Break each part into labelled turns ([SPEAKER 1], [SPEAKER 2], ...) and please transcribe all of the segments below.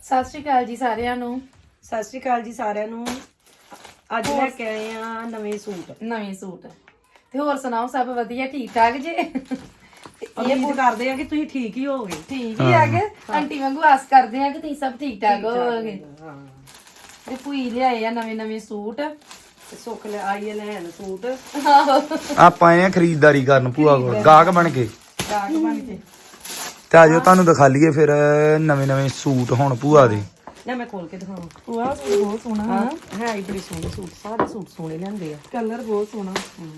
[SPEAKER 1] ਸਤਿ ਸ਼੍ਰੀ ਅਕਾਲ ਜੀ ਸਾਰਿਆਂ ਨੂੰ।
[SPEAKER 2] ਸਤਿ ਸ਼੍ਰੀ ਅਕਾਲ ਜੀ ਸਾਰਿਆਂ ਨੂੰ। ਅੱਜ ਲੈ ਕੇ ਆਏ ਆ ਨਵੇਂ ਸੂਟ
[SPEAKER 1] ਤੇ ਹੋਰ ਸੁਣਾਓ, ਸਭ ਵਧੀਆ ਠੀਕ ਠਾਕ ਜੇ?
[SPEAKER 2] ਉਮੀਦ ਕਰਦੇ ਆ ਕਿ ਤੁਸੀਂ ਠੀਕ ਹੀ ਹੋਵੋਗੇ।
[SPEAKER 1] ਠੀਕ ਹੀ ਆ ਗਏ ਆਂਟੀ ਵਾਂਗੂ ਆਸ ਕਰਦੇ ਆ ਕਿ ਤੁਸੀਂ ਸਭ ਠੀਕ ਠਾਕ ਹੋਵੋਗੇ।
[SPEAKER 2] ਹਾਂ
[SPEAKER 1] ਤੇ ਭੂਈ ਲਿਆਏ ਆ ਨਵੇਂ ਸੂਟ।
[SPEAKER 2] ਸੁੱਖ ਲੈ ਆਈ ਹੈ ਲੈਣ ਸੂਟ।
[SPEAKER 3] ਆਪਾਂ ਆਏ ਆ ਖਰੀਦਦਾਰੀ ਕਰਨ ਭੂਆ ਕੋਲ ਗਾਹਕ ਬਣ ਕੇ
[SPEAKER 1] ਗਾਹਕ ਬਣ ਕੇ।
[SPEAKER 3] ਤੇ ਆਜੋ ਤੁਹਾਨੂੰ ਦਿਖਾ ਲਈਏ ਫਿਰ ਨਵੇਂ ਸੂਟ ਹੁਣ ਭੂਆ ਦੇ।
[SPEAKER 2] ਲੈ ਮੈਂ ਖੋਲ ਕੇ ਦਿਖਾਵਾਂ।
[SPEAKER 1] ਭੂਆ ਸੂਟ ਬਹੁਤ ਸੋਹਣਾ
[SPEAKER 2] ਹੈ ਹੀ ਬੜੇ ਸੋਹਣੇ ਸੂਟ, ਸਾਰੇ ਸੂਟ ਸੋਹਣੇ ਲੈਂਦੇ ਆ।
[SPEAKER 1] ਕਲਰ ਬਹੁਤ ਸੋਹਣਾ।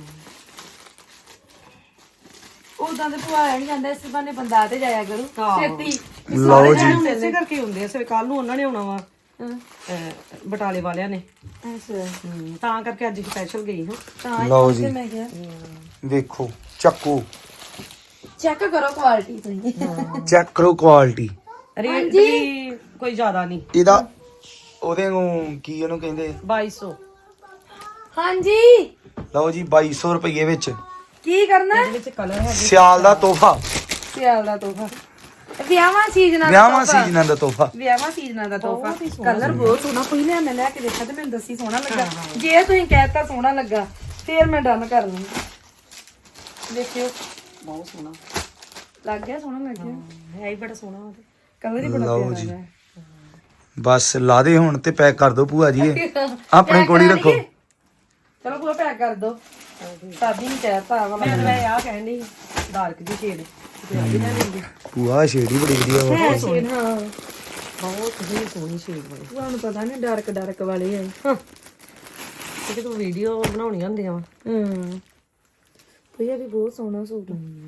[SPEAKER 1] ਉਦਾਂ ਤੇ ਭੂਆ ਨਹੀਂ ਜਾਂਦਾ, ਇਸ ਬਹਾਨੇ ਬੰਦਾ ਤੇ ਜਾਇਆ ਕਰੂ ਛੇਤੀ।
[SPEAKER 3] ਲਓ ਜੀ
[SPEAKER 2] ਇਸੇ ਕਰਕੇ ਹੁੰਦੇ ਆ। ਸਵੇ ਕੱਲ ਨੂੰ ਉਹਨਾਂ ਨੇ ਆਉਣਾ ਵਾ ਬਟਾਲੇ ਵਾਲਿਆਂ ਨੇ।
[SPEAKER 1] ਅੱਛਾ,
[SPEAKER 2] ਤਾਂ ਕਰਕੇ ਅੱਜ ਸਪੈਸ਼ਲ ਗਈ ਹਾਂ।
[SPEAKER 1] ਤਾਂ
[SPEAKER 3] ਲਓ
[SPEAKER 1] ਹੀ
[SPEAKER 3] ਜੀ।
[SPEAKER 1] ਮੈਂ ਕਿਹਾ
[SPEAKER 3] ਵੇਖੋ ਚੱਕੋ
[SPEAKER 1] ਚੈੱਕ ਕਰੋ ਕੁਆਲਿਟੀ ਤੁਸੀਂ।
[SPEAKER 3] ਚੈੱਕ ਕਰੋ ਕੁਆਲਿਟੀ।
[SPEAKER 2] ਰੇਟ ਵੀ ਕੋਈ ਜ਼ਿਆਦਾ ਨਹੀਂ
[SPEAKER 3] ਇਹਦਾ ਉਹਦੇ ਨੂੰ ਕੀ ਉਹਨੂੰ ਕਹਿੰਦੇ
[SPEAKER 2] 2200।
[SPEAKER 1] ਹਾਂਜੀ,
[SPEAKER 3] ਲਓ ਜੀ 2200 ਰੁਪਏ ਵਿੱਚ
[SPEAKER 1] ਕੀ ਕਰਨਾ?
[SPEAKER 2] ਇਹਦੇ ਵਿੱਚ ਕਲਰ ਹੈਗੇ।
[SPEAKER 3] ਸਿਆਲ ਦਾ ਤੋਹਫਾ,
[SPEAKER 1] ਸਿਆਲ ਦਾ ਤੋਹਫਾ, ਵਿਆਹਾਂ ਸੀਜ਼ਨਾਂ
[SPEAKER 3] ਦਾ ਤੋਹਫਾ।
[SPEAKER 1] ਵਿਆਹਾਂ ਸੀਜ਼ਨਾਂ ਦਾ ਤੋਹਫਾ। ਕਲਰ ਬਹੁਤ ਸੋਹਣਾ। ਪਹਿਲਾਂ ਮੈਂ ਲੈ ਕੇ ਦੇਖਿਆ ਤੇ ਮੈਨੂੰ ਦੱਸੀ ਸੋਹਣਾ ਲੱਗਾ। ਜੇ ਤੁਸੀਂ ਕਹਿਤਾ ਸੋਹਣਾ ਲੱਗਾ ਫੇਰ ਮੈਂ ਡਨ ਕਰ ਲੂੰਗੀ। ਦੇਖਿਓ
[SPEAKER 2] ਬਹੁਤ ਸੋਹਣਾ
[SPEAKER 1] ਲੱਗ ਗਿਆ, ਸੋਹਣਾ ਲੱਗ ਗਿਆ।
[SPEAKER 2] ਹੈ ਹੀ ਬੜਾ ਸੋਹਣਾ ਉਹਦੇ।
[SPEAKER 1] ਕਲਰ ਹੀ ਬੜਾ
[SPEAKER 3] ਲਓ
[SPEAKER 1] ਪਿਆਰਾ
[SPEAKER 3] ਜੀ।
[SPEAKER 1] ਹੈ।
[SPEAKER 3] ਬਸ ਲਾ ਦੇ ਹੁਣ ਤੇ ਪੈਕ ਕਰ ਦੋ ਭੂਆ ਜੀ ਇਹ। ਆਪਣੇ ਕੋਲ ਹੀ ਰੱਖੋ।
[SPEAKER 1] ਚਲੋ ਪੂਰਾ ਪੈਕ ਕਰ ਦੋ। ਸਾਦੀ ਨਹੀਂ ਕਹਿਤਾ ਵਾਲਾ।
[SPEAKER 2] ਮੈਂ ਆ ਕਹਿੰਦੀ ਡਾਰਕ ਦੀ ਸ਼ੇਡ ਤੇ ਆ ਵੀ ਲੈ ਲੈਂਦੀ।
[SPEAKER 3] ਭੂਆ ਸ਼ੇਡ ਹੀ ਬੜੀ ਵਧੀਆ ਵਾ।
[SPEAKER 1] ਹੈ ਸ਼ੇਡ, ਹਾਂ
[SPEAKER 2] ਬਹੁਤ ਹੀ ਸੋਹਣੀ ਸ਼ੇਡ ਬਣੀ।
[SPEAKER 1] ਤੁਹਾਨੂੰ ਪਤਾ ਨਹੀਂ ਡਾਰਕ ਵਾਲੇ ਆ।
[SPEAKER 2] ਕਿ ਤੂੰ ਵੀਡੀਓ ਬਣਾਉਣੀਆਂ ਹੁੰਦੀਆਂ ਵਾ।
[SPEAKER 1] ਭਈਆ ਵੀ ਬਹੁਤ ਸੋਹਣਾ ਸੂਟ।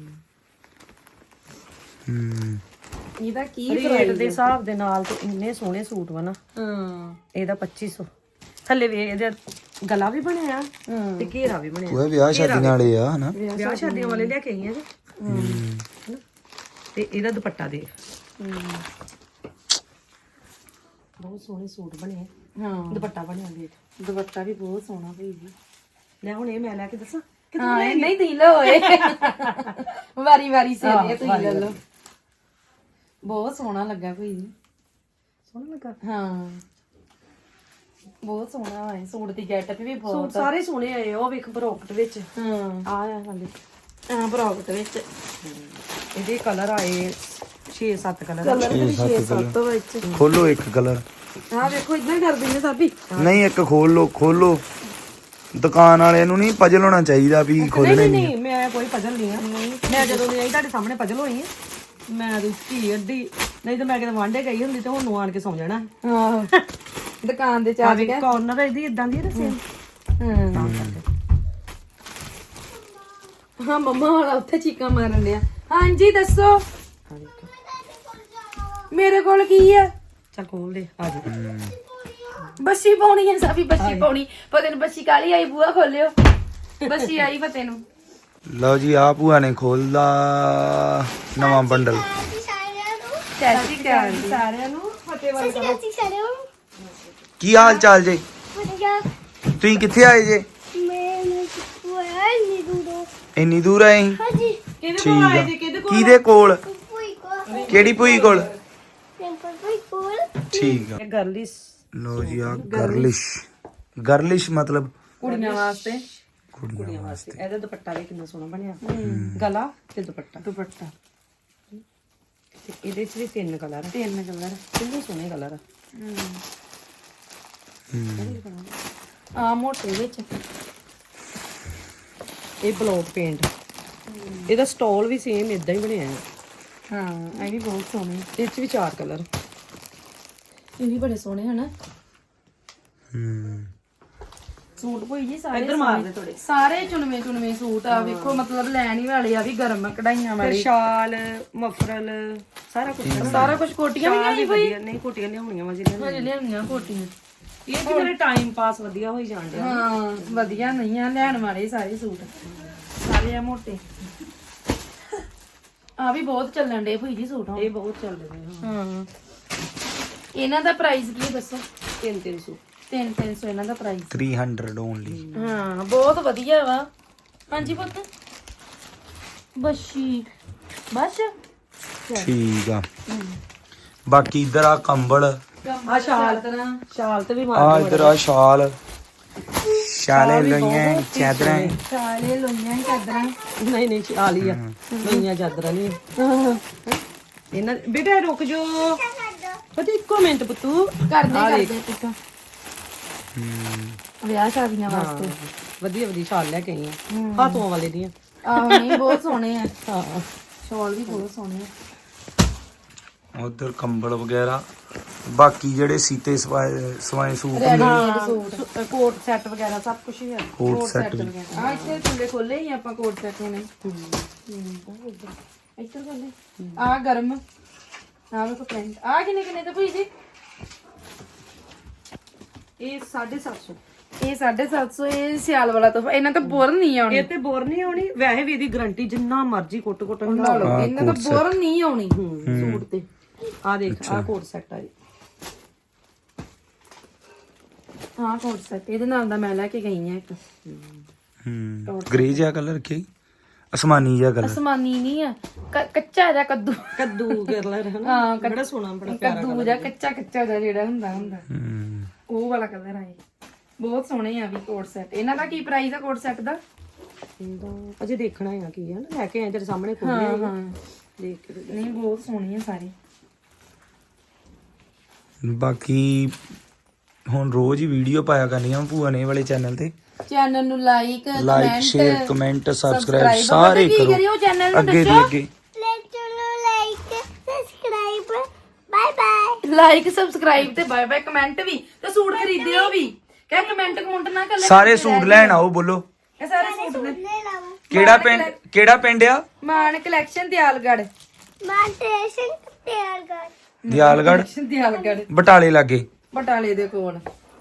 [SPEAKER 1] ਇਹਦਾ ਕੀ
[SPEAKER 2] ਰੇਟ ਦੇ ਹਿਸਾਬ ਦੇ ਨਾਲ ਤੇ ਇੰਨੇ ਸੋਹਣੇ ਸੂਟ ਵਾ ਨਾ। ਇਹਦਾ 2500। ਥੱਲੇ ਵੀ ਇਹਦਾ ਗਲਾ ਵੀ ਬਣਿਆ ਤੇ ਘੇਰਾ ਵੀ ਬਣਿਆ।
[SPEAKER 3] ਭੂਆ ਵਿਆਹ ਸ਼ਾਦੀਆਂ ਵਾਲੇ ਆ ਹਨਾ।
[SPEAKER 2] ਵਿਆਹ ਸ਼ਾਦੀਆਂ ਵਾਲੇ ਲੈ ਕੇ ਆਈਆਂ ਜੀ। ਤੇ ਇਹਦਾ ਦੁਪੱਟਾ ਦੇਖ। ਬਹੁਤ ਸੋਹਣੇ ਸੂਟ ਬਣੇ।
[SPEAKER 1] ਹਾਂ,
[SPEAKER 2] ਦੁਪੱਟਾ ਬਣਿਆ ਦੇਖ।
[SPEAKER 1] ਦੁਪੱਟਾ ਵੀ ਬਹੁਤ ਸੋਹਣਾ ਭਈ ਜੀ।
[SPEAKER 2] ਲੈ ਹੁਣ ਇਹ ਮੈਂ ਲੈ ਕੇ ਦੱਸਾਂ।
[SPEAKER 1] ਹਾਂ, ਇਹ ਨਹੀਂ ਤੁਸੀਂ ਲਓ ਏ। ਵਾਰੀ ਸੇ ਤੁਸੀਂ ਲੈ ਲਓ। ਬਹੁਤ ਸੋਹਣਾ ਲੱਗਾ ਭਈ ਜੀ।
[SPEAKER 2] ਸੋਹਣਾ ਲੱਗਾ।
[SPEAKER 1] ਹਾਂ, ਬਹੁਤ ਸੋਹਣਾ ਹੈ। ਸੂਟ ਦੀ ਗੈਟਅਪ ਵੀ
[SPEAKER 2] ਸੂਟ
[SPEAKER 1] ਬਹੁਤ।
[SPEAKER 2] ਸਾਰੇ ਸੋਹਣੇ ਆਏ। ਉਹ ਵੇਖ ਬਰੋਕਟ ਵਿੱਚ
[SPEAKER 1] ਹਾਂ,
[SPEAKER 2] ਆ ਹਾਲੇ
[SPEAKER 1] ਬਰਾਊਟ ਵਿੱਚ
[SPEAKER 2] ਇਹਦੇ ਕਲਰ ਆਏ 6-7 ਕਲਰ।
[SPEAKER 1] ਕਲਰ ਵੀ 6-7 ਵਿੱਚ।
[SPEAKER 3] ਖੋਲੋ ਇੱਕ ਕਲਰ।
[SPEAKER 1] ਹਾਂ ਵੇਖੋ ਇਦਾਂ ਹੀ ਕਰਦੇ ਨੇ ਸਾਬੀ।
[SPEAKER 3] ਨਹੀਂ ਇੱਕ ਖੋਲੋ। ਦੁਕਾਨ ਵਾਲੇ ਨੂੰ ਨਹੀਂ ਪਜਲ ਹੋਣਾ ਚਾਹੀਦਾ ਵੀ ਖੋਲਣੇ ਨਹੀਂ।
[SPEAKER 2] ਨਹੀਂ ਮੈਂ ਕੋਈ ਪਜਲ ਨਹੀਂ ਆ। ਮੈਂ ਜਦੋਂ ਦੀ ਆਈ ਤੁਹਾਡੇ ਸਾਹਮਣੇ ਪਜਲ ਹੋਈ ਆ। ਮੈਂ ਰੁੱਕੀ ਅੱਡੀ, ਨਹੀਂ ਤਾਂ ਮੈਂ ਕਿਤੇ ਵਾਂਡੇ ਗਈ ਹੁੰਦੀ ਤੇ ਹੁਣ ਨੂੰ ਆਣ ਕੇ ਸੌਂ ਜਾਣਾ।
[SPEAKER 1] ਹਾਂ, ਦੁਕਾਨ ਦੇ
[SPEAKER 2] ਆ
[SPEAKER 1] ਚਾਹ
[SPEAKER 2] ਵੀ ਕਾਰਨਰ ਇਹਦੀ ਇਦਾਂ ਦੀ ਰਸੇ।
[SPEAKER 1] ਹਾਂ, ਮੰਮਾ ਵਾਲਾ ਉੱਥੇ ਚੀਕਾਂ ਮਾਰਨ ਲਿਆ। ਹਾਂਜੀ ਦੱਸੋ ਮੇਰੇ ਕੋਲ ਕੀ ਆ?
[SPEAKER 2] ਚੱਲ ਖੋਲ ਦੇ ਆ ਜਾ।
[SPEAKER 1] ਬੱਸੀ ਪਾਉਣੀ ਹੈ ਸਾਬੀ, ਬੱਸੀ ਪਾਉਣੀ। ਪਤਾ ਨੂੰ ਬੱਸੀ ਕਾਲੀ ਆਈ, ਬੂਆ ਖੋਲਿਓ। ਬੱਸੀ ਆਈ ਫਤੇ ਨੂੰ।
[SPEAKER 3] ਲਓ ਜੀ ਆ ਭੂਆ ਨੇ ਖੋਲਦਾ ਨਵਾਂ ਬੰਡਲ।
[SPEAKER 1] ਸਤਿ ਸ਼੍ਰੀ ਅਕਾਲ ਜੀ ਸਾਰਿਆਂ ਨੂੰ। ਫਤੇ ਵਾਲੀ ਕਰੋ।
[SPEAKER 3] ਕੀ ਹਾਲ ਚਾਲ ਜੇ? ਤੁਸੀਂ ਕਿੱਥੇ ਆਏ ਜੇ? ਇੰਨੀ ਦੂਰ ਆਏ ਸੀ? ਠੀਕ ਆ। ਕਿਹਦੇ ਕੋਲ? ਕਿਹੜੀ ਭੂਈ ਕੋਲ? ਠੀਕ ਆ।
[SPEAKER 2] ਇਹ ਗਰਲਿਸ
[SPEAKER 3] ਲੋ ਜੀ ਆ ਗਰਲਿਸ਼ ਮਤਲਬ
[SPEAKER 1] ਕੁੜੀਆਂ ਵਾਸਤੇ।
[SPEAKER 3] ਕੁੜੀਆਂ ਵਾਸਤੇ।
[SPEAKER 2] ਇਹਦਾ ਦੁਪੱਟਾ ਵੀ ਕਿੰਨਾ ਸੋਹਣਾ ਬਣਿਆ। ਗਲਾ ਤੇ ਦੁਪੱਟਾ
[SPEAKER 1] ਦੁਪੱਟਾ
[SPEAKER 2] ਤੇ ਇਹਦੇ ਚ ਵੀ 3 ਕਲਰ ਆ।
[SPEAKER 1] 3 ਕਲਰ।
[SPEAKER 2] ਕਿੰਨੇ ਸੋਹਣੇ ਕਲਰ ਆ।
[SPEAKER 1] ਆ ਮੋਟੇ ਵਿੱਚ।
[SPEAKER 2] ਇਹ ਬਲੌਕ ਪੇਂਟ। ਇਹਦਾ ਸਟਾਲ ਵੀ ਸੇਮ ਇਦਾਂ ਹੀ ਬਣਿਆ ਹੈ।
[SPEAKER 1] ਹਾਂ, ਇਹ ਵੀ ਬਹੁਤ ਸੋਹਣੇ।
[SPEAKER 2] ਇਹ ਚ ਵੀ 4 ਕਲਰ।
[SPEAKER 1] ਇਹ ਵੀ ਬੜੇ ਸੋਹਣੇ ਹਨ। ਸੂਟ ਭਈ ਜੀ ਸਾਰੇ
[SPEAKER 2] ਇੱਧਰ ਮਾਰ ਦੇ ਥੋੜੇ।
[SPEAKER 1] ਸਾਰੇ ਚੁਣਵੇਂ ਸੂਟ ਆ। ਵੇਖੋ ਮਤਲਬ ਲੈਣ ਹੀ ਵਾਲੇ ਆ ਵੀ ਗਰਮ ਕਢਾਈਆਂ
[SPEAKER 2] ਫਿਰ
[SPEAKER 1] ਵਾਲੇ।
[SPEAKER 2] ਸ਼ਾਲ ਮਫਰਲ ਸਾਰਾ ਕੁਝ
[SPEAKER 1] ਕੋਟੀਆਂ ਵੀ ਆਈ ਭਈ।
[SPEAKER 2] ਨਹੀਂ ਕੋਟੀਆਂ ਲਿਆਉਣੀਆਂ ਵਾ ਜਿਹਨਾਂ
[SPEAKER 1] ਹਜੇ ਲਿਆਉਣੀਆਂ ਕੋਟੀਆਂ।
[SPEAKER 2] ਇਹ ਕਿ ਮੇਰੇ ਟਾਈਮ ਪਾਸ ਵਧੀਆ ਹੋਈ ਜਾਣ ਡਿਆ।
[SPEAKER 1] ਹਾਂ, ਵਧੀਆ ਨਹੀਂ ਆ ਲੈਣ ਵਾਲੇ ਸਾਰੇ ਸੂਟ। ਸਾਰੇ ਆ ਮੋਟੇ। ਆ ਵੀ ਬਹੁਤ ਚੱਲਣ ਡੇ ਭਈ ਜੀ ਸੂਟ।
[SPEAKER 2] ਇਹ ਬਹੁਤ ਚੱਲਦੇ ਨੇ।
[SPEAKER 1] ਹਾਂ, ਇਹਨਾਂ ਦਾ ਪ੍ਰਾਈਸ ਕੀ ਦੱਸੋ?
[SPEAKER 2] 300
[SPEAKER 1] 300 ਇਹਨਾਂ ਦਾ ਪ੍ਰਾਈਸ।
[SPEAKER 3] 300 ਓਨਲੀ।
[SPEAKER 1] ਹਾਂ, ਬਹੁਤ ਵਧੀਆ ਵਾ। ਹਾਂਜੀ ਪੁੱਤ ਬੱਸ਼ੀ ਬਸ
[SPEAKER 3] ਠੀਕ ਆ। ਬਾਕੀ ਇਧਰ ਆ ਕੰਬਲ,
[SPEAKER 2] ਆ ਸ਼ਾਲ ਤੇ ਵੀ
[SPEAKER 3] ਆ
[SPEAKER 2] ਮਾਰ
[SPEAKER 3] ਇਧਰ ਆ ਸ਼ਾਲ, ਸ਼ਾਲੇ ਲੋਈਆਂ ਚਾਦਰਾਂ।
[SPEAKER 1] ਚਾਲੇ ਲੋਈਆਂ ਚਾਦਰਾਂ।
[SPEAKER 2] ਨਹੀਂ ਨਹੀਂ ਸ਼ਾਲ ਹੀ ਆ, ਲੋਈਆਂ ਚਾਦਰਾਂ ਨਹੀਂ ਇਹਨਾਂ। ਬੇਟਾ ਰੁਕ ਜੋ ਪਤਾ, ਇੱਕੋ ਮਿੰਟ ਪੁੱਤੂ।
[SPEAKER 1] ਕਰਦੇ ਪੁੱਤ ਵਿਆਹ ਸ਼ਾਦੀਆਂ ਵਾਸਤੇ
[SPEAKER 2] ਵਧੀਆ ਵਧੀਆ ਸ਼ਾਲ ਲੈ ਕੇ ਆਈ ਆ, ਹਾਥੋਂ ਵਾਲੇ ਦੀਆਂ।
[SPEAKER 1] ਆਹ ਨਹੀਂ ਬਹੁਤ ਸੋਹਣੇ ਆ,
[SPEAKER 2] ਹਾਂ
[SPEAKER 1] ਸ਼ਾਲ ਵੀ ਬਹੁਤ ਸੋਹਣੇ ਆ।
[SPEAKER 3] ਉਧਰ ਕੰਬਲ ਵਗੈਰਾ, ਬਾਕੀ ਜਿਹੜੇ ਸੀਤੇ ਸਵਾਏ ਸੂਟ
[SPEAKER 1] ਸੂਟ
[SPEAKER 2] ਕੋਟ ਸੈੱਟ ਵਗੈਰਾ ਸਭ ਕੁਝ ਹੀ ਆ।
[SPEAKER 3] ਕੋਟ ਸੈੱਟ ਵੀ।
[SPEAKER 1] ਆ ਇੱਥੇ ਥੱਲੇ ਖੋਲੇ ਹੀ ਆਪਾਂ ਕੋਟ ਸੈਟ ਹੋਣੇ। ਇੱਧਰ ਖੋਲੇ ਆ ਗਰਮ। ਆ ਵੇਖੋ ਪ੍ਰਿੰਟ। ਆ ਕਿੰਨੇ ਕਿੰਨੇ ਤੇ ਭਈ ਜੀ?
[SPEAKER 2] ਇਹ 750।
[SPEAKER 1] ਇਹ 750। ਇਹ ਸਿਆਲ ਵਾਲਾ ਤੋਹਫਾ। ਇਹਨਾਂ ਤਾਂ ਬੋਰ ਨਹੀਂ ਆਉਣੀ।
[SPEAKER 2] ਇਹ ਤੇ ਬੋਰ ਨਹੀਂ ਆਉਣੀ, ਵੈਸੇ ਵੀ ਇਹਦੀ ਗਾਰੰਟੀ ਜਿੰਨਾ ਮਰਜ਼ੀ ਕੁੱਟ
[SPEAKER 1] ਲਾ ਲਓ। ਇਹਨਾਂ ਤਾਂ ਬੋਰ ਨਹੀਂ ਆਉਣੀ ਸੂਟ ਤੇ।
[SPEAKER 2] ਆ ਦੇਖ ਆ ਕੋਟ ਸੈੱਟ ਆ ਜੀ।
[SPEAKER 1] ਹਾਂ ਕੋਟ ਸੈਟ ਇਹਦੇ ਨਾਲ ਦਾ ਮੈਂ ਲੈ ਕੇ ਗਈ ਆ ਇੱਕ।
[SPEAKER 3] ਗ੍ਰੇ ਜਿਹਾ ਕਲਰ ਕੀ, ਅਸਮਾਨੀ ਜਿਹਾ ਕਲਰ।
[SPEAKER 1] ਅਸਮਾਨੀ ਨਹੀਂ ਆ, ਕੱਚਾ ਜਿਹਾ ਕੱਦੂ
[SPEAKER 2] ਕਲਰ ਹੈ ਨਾ।
[SPEAKER 1] ਹਾਂ
[SPEAKER 2] ਬੜਾ ਸੋਹਣਾ, ਬੜਾ ਪਿਆਰਾ
[SPEAKER 1] ਕੱਦੂ ਜਿਹਾ ਕੱਚਾ ਜਿਹਾ ਜਿਹੜਾ ਹੁੰਦਾ ਉਹ ਵਾਲਾ ਕਲਰ ਆਏ। ਬਹੁਤ ਸੋਹਣੇ ਆ ਵੀ ਕੋਟ ਸੈਟ। ਇਹਨਾਂ ਦਾ ਕੀ ਪ੍ਰਾਈਸ ਆ ਕੋਟ ਸੈਟ ਦਾ?
[SPEAKER 2] ਅਜੇ ਦੇਖਣਾ ਹੈ ਕੀ ਹੈ ਨਾ, ਲੈ ਕੇ ਆਏ ਤੇਰੇ ਸਾਹਮਣੇ ਖੋਲੇ।
[SPEAKER 1] ਹਾਂ
[SPEAKER 2] ਦੇਖ ਕੇ
[SPEAKER 1] ਨਹੀਂ ਬਹੁਤ ਸੋਹਣੇ ਆ ਸਾਰੇ।
[SPEAKER 3] ਬਾਕੀ ਹੁਣ ਰੋਜ਼ ਹੀ ਵੀਡੀਓ ਪਾਇਆ ਕਰਨੀਆਂ ਭੂਆ ਨੇ ਇਹ ਵਾਲੇ ਚੈਨਲ ਤੇ।
[SPEAKER 1] ਚੈਨਲ ਨੂੰ ਲਾਈਕ
[SPEAKER 3] ਸ਼ੇਅਰ ਕਮੈਂਟ ਸਬਸਕ੍ਰਾਈਬ ਸਾਰੇ ਕਰੋ।
[SPEAKER 1] ਚੈਨਲ ਨੂੰ
[SPEAKER 3] ਅੱਗੇ ਦੀ ਅੱਗੇ
[SPEAKER 1] ਲਾਈਕ ਸਬਸਕ੍ਰਾਈਬ ਤੇ ਬਾਏ ਬਾਏ। ਕਮੈਂਟ ਵੀ ਤੇ ਸੂਟ ਖਰੀਦਿਓ ਵੀ। ਕਹਿ ਕਮੈਂਟ ਨਾ ਕਰ ਲੈ।
[SPEAKER 3] ਸਾਰੇ ਸੂਟ ਲੈਣ ਆਓ, ਬੋਲੋ
[SPEAKER 1] ਇਹ ਸਾਰੇ ਸੂਟ ਨੇ।
[SPEAKER 3] ਕਿਹੜਾ ਪਿੰਡ ਆ?
[SPEAKER 1] ਮਾਨ ਕਲੈਕਸ਼ਨ ਦਿਆਲਗੜ੍ਹ।
[SPEAKER 3] ਦਿਆਲਗੜ੍ਹ ਬਟਾਲੇ ਲਾਗੇ।
[SPEAKER 1] ਬਟਾਲੇ ਦੇ ਕੋਲ।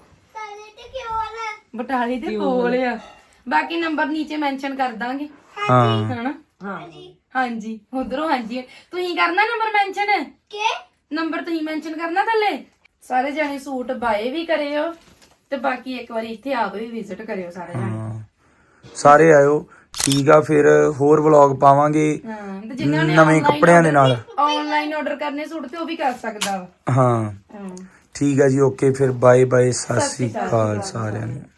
[SPEAKER 1] ਬਟਾਲੇ ਦੇ ਕੋਲ ਆ। ਬਾਕੀ ਨੰਬਰ ਨੀਚੇ ਮੈਂਸ਼ਨ ਕਰ ਦਾਂਗੇ।
[SPEAKER 3] ਹਾਂ
[SPEAKER 1] ਹਨਾ? ਹਾਂਜੀ ਉਧਰੋਂ ਹਾਂਜੀ। ਤੁਸੀਂ ਕਰਨਾ ਨੰਬਰ ਮੈਂਸ਼ਨ? ਨੰਬਰ ਤੁਸੀਂ ਮੈਂਸ਼ਨ ਕਰਨਾ ਥੱਲੇ। ਸਾਰੇ ਜਾਣੇ ਸੂਟ ਬਾਏ ਵੀ ਕਰਿਓ ਤੇ ਬਾਕੀ ਇੱਕ ਵਾਰੀ ਇੱਥੇ ਆਪ ਵੀ ਵਿਜ਼ਿਟ ਕਰਿਓ ਸਾਰੇ ਜਾਣੇ।
[SPEAKER 3] ਸਾਰੇ ਆਇਓ। ਠੀਕ ਆ, ਫਿਰ ਹੋਰ ਵਲੌਗ ਪਾਵਾਂਗੇ ਨਵੇਂ ਕੱਪੜਿਆਂ ਦੇ ਨਾਲ।
[SPEAKER 1] ਆਨਲਾਈਨ ਆਰਡਰ ਕਰਨੇ ਸੂਟ ਤੇ ਉਹ ਵੀ ਕਰ ਸਕਦਾ ਵਾ।
[SPEAKER 3] ਹਾਂ ਠੀਕ ਆ ਜੀ, ਓਕੇ ਫਿਰ ਬਾਏ ਬਾਏ, ਸਤਿ ਸ੍ਰੀ ਅਕਾਲ ਸਾਰਿਆਂ ਨੂੰ।